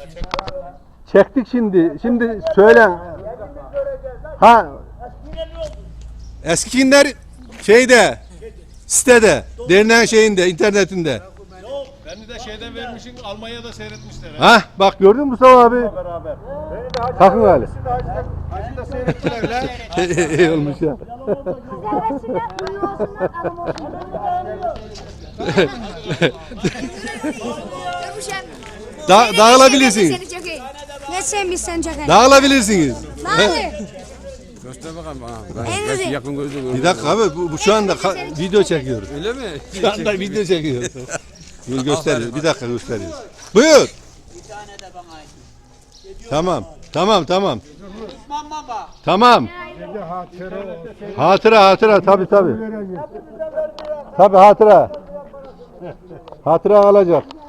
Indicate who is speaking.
Speaker 1: Çektik şimdi. Şimdi söylen. Ha. Eskikinler şeyde, sitede, derneğin şeyinde, internetinde.
Speaker 2: Beni de şeyden vermişsin, Almanya'da seyretmişler.
Speaker 1: Ha, bak gördün mü Mustafa abi? Takın hali.
Speaker 2: Hacı'da seyrettiler lan.
Speaker 1: İyi olmuş ya. Dağılabilirsiniz.
Speaker 3: Ne sevmişsen çok iyi.
Speaker 1: Dağılabilirsiniz.
Speaker 4: Göster bakalım bana. Belki yakın gözü
Speaker 1: Bir dakika abi, bu şu anda video çekiyoruz.
Speaker 4: Öyle mi?
Speaker 1: Şu anda video çekiyoruz. Dur gösteriyoruz. Bir dakika gösteriyoruz. Buyur. Tamam. Tamam. Tamam. Hatıra tabii. Tabii hatıra. Hatıra alacak.